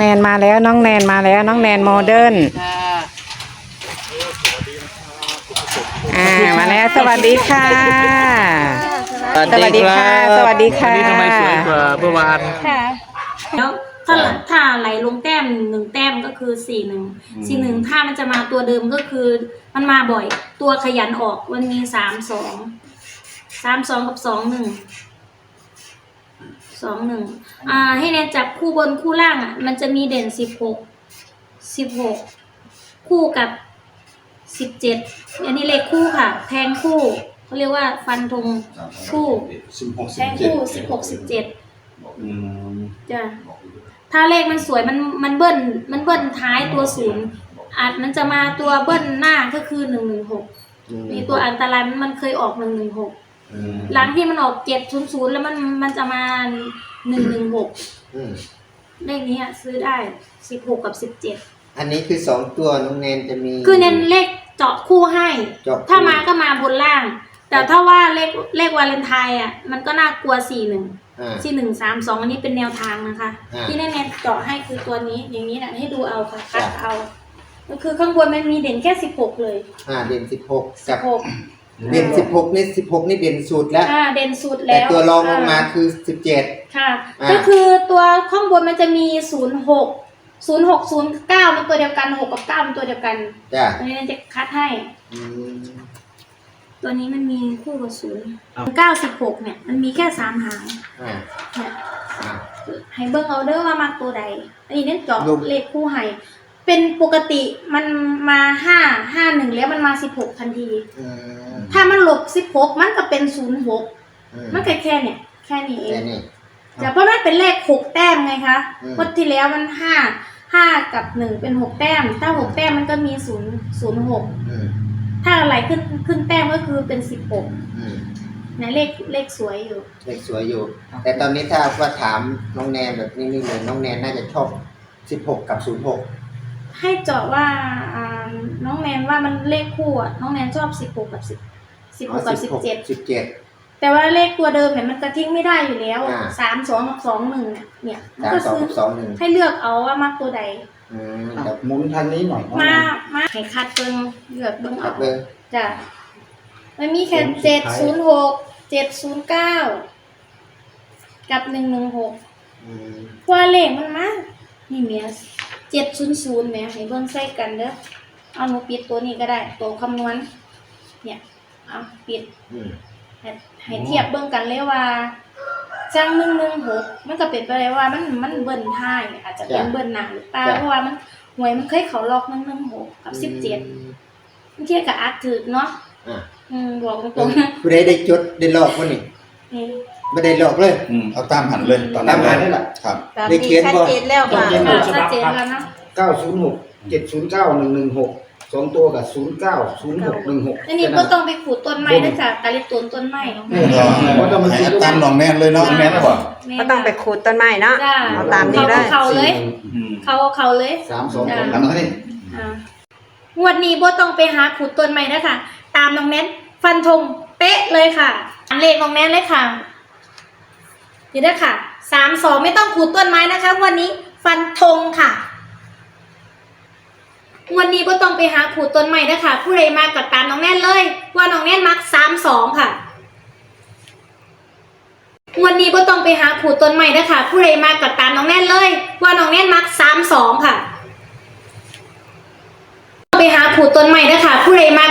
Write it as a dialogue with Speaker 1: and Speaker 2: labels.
Speaker 1: นมาแล้วน้องแนนมาแล้วน้องแนนโมเดิร์นมาแล้วสวัสดีค่ะสวัสดีค่ะสวัสดีค่ะ
Speaker 2: ทำไมสวยกว่าเมื่อวาน
Speaker 3: ค่ะแล้วถ้าไหลลงแต้ม1 แต้มก็คือ4-1ถ้ามันจะมาตัวเดิมก็คือมันมาบ่อยตัวขยันออกมันมี3-2กับ2-1ให้แนนจับคู่บนคู่ล่างมันจะมีเด่น16คู่กับ17อันนี้เลขคู่ค่ะแทงคู่เขาเรียกว่าฟันธงคู่แทงคู่16-17จ้ะถ้าเลขมันสวยมันเบิ้ลท้ายตัว0มันจะมาตัวเบิ้ลหน้าก็คือ116มีตัวอันตรายมันเคยออก116หลังที่มันออก700แล้วมันจะมา116เลขนี้ซื้อได้16กับ17
Speaker 4: อันนี้คือ2ตัวน้องแนนจะมี
Speaker 3: คือเน้นเลขเจาะคู่ให้ถ้ามาก็มาบนล่างแต่ถ้าว่าเลขวาเลนไทน์มันก็น่ากลัว413132อันนี้เป็นแนวทางนะคะที่แน่ๆเจาะให้คือตัวนี้อย่างนี้นะให้ดูเอาค่ะคัดเอาก็คือข้างบนมันมีเด่นแค่16เลย
Speaker 4: เด่น16กับเด่น16นี่16นี่เด่นสุดแล้ว
Speaker 3: เด่นสุดแล้ว
Speaker 4: แต่ตัวรองลงมาคือ17
Speaker 3: ค่ะก็คือตัวข้างบนมันจะมี0609มันตัวเดียวกัน6กับ9มันตัวเดียวกันอันนี้จะคัดให้ตัวนี้มันมีคู่กับ096เนี่ยมันมีแค่3 หางเนี่ยให้เบิ่งเอาเด้อว่ามาตัวใดอันนี้เน้นเจาะเลขคู่ให้เป็นปกติมันมา551แล้วมันมา16ทันทีถ้ามันหลบ16มันก็เป็น06มันแค่เนี่ยแค่นี้เองแต่เพราะมันเป็นเลข6แต้มไงคะงวดที่แล้วมัน5กับ1เป็น6แต้มถ้า6แต้มมันก็มี006ถ้าอะไรขึ้นแต้มก็คือเป็น16นะเลขสวยอยู่
Speaker 4: แต่ตอนนี้ถ้าว่าถามน้องแนนแบบนี้เลยน้องแนนน่าจะชอบ16กับ06
Speaker 3: ให้เจาะว่าน้องแนนว่ามันเลขคู่น้องแนนชอบ16กับ17แต่ว่าเลขตัวเดิมเนี่ยมันจะทิ้งไม่ได้อยู่แล้ว32กับ21เนี่ยก็คือให้เลือกเอาว่ามากตัวใด
Speaker 4: หมุนทางนี้หน่อย
Speaker 3: มาให้คัดเบิ่งเลือกเบิ่งเอาจ้ะมันมีแค่706 709กับ116ตัวเลขมันมานี่เมีย700เนี่ยให้เบิ่งใส่กันเด้อเอาหนูปิดตัวนี้ก็ได้ตัวคำนวณเนี่ยเอาปิดให้เทียบเบิ่งกันเลยว่าจัง116มันก็เป็นไปได้ว่ามันเบิ้ลท้ายอาจจะเป็นเบิ้ลหน้าหรือเปล่าเพราะว่ามันหวยมันเคยเข้าล็อก116กับ17มันเทียบกับอักถึกเนาะบอกตรงๆ
Speaker 4: ผู้ใดได้จดได้ลอกบ่นี่ไม่ได้หลอกเลย
Speaker 2: เอาตามหันเลย
Speaker 4: ตามหันนี่แหละ
Speaker 1: ครับได้เขียนบ่
Speaker 3: แล้วค่ะชัดเจนแล้วนะ
Speaker 5: 906 709 116 2ตัวกับ09 06 16
Speaker 3: อันนี้ก็ต้องไปขูดต้นไม้นะจ๊ะตาลิต้นไม้
Speaker 2: ก็ต้องมาตามน้องแนนเลยเนาะแนนนะบ่
Speaker 1: ก็ต้องไปขูดต้นไม้เนาะเอาตามนี้ได้
Speaker 3: เขาเลยเขาเลย
Speaker 5: 32
Speaker 2: ตามนี้
Speaker 3: งวดนี้บ่ต้องไปหาขูดต้นไม้นะคะตามน้องแนนฟันธงเป๊ะเลยค่ะเลขน้องแนนเลยค่ะนี่ด้วยค่ะ32ไม่ต้องขูดต้นไม้นะคะวันนี้ฟันธงค่ะวันนี้ก็ต้องไปหาขูดต้นใหม่นะคะผู้ใดมากับตามน้องแน่นเลยว่าน้องแน่นมัก32ค่ะวันนี้ก็ต้องไปหาขูดต้นใหม่นะคะผู้ใดมากับตามน้องแน่นเลยว่าน้องแน่นมัก32ค่ะไปหาขูดต้นใหม่นะคะผู้ใดมา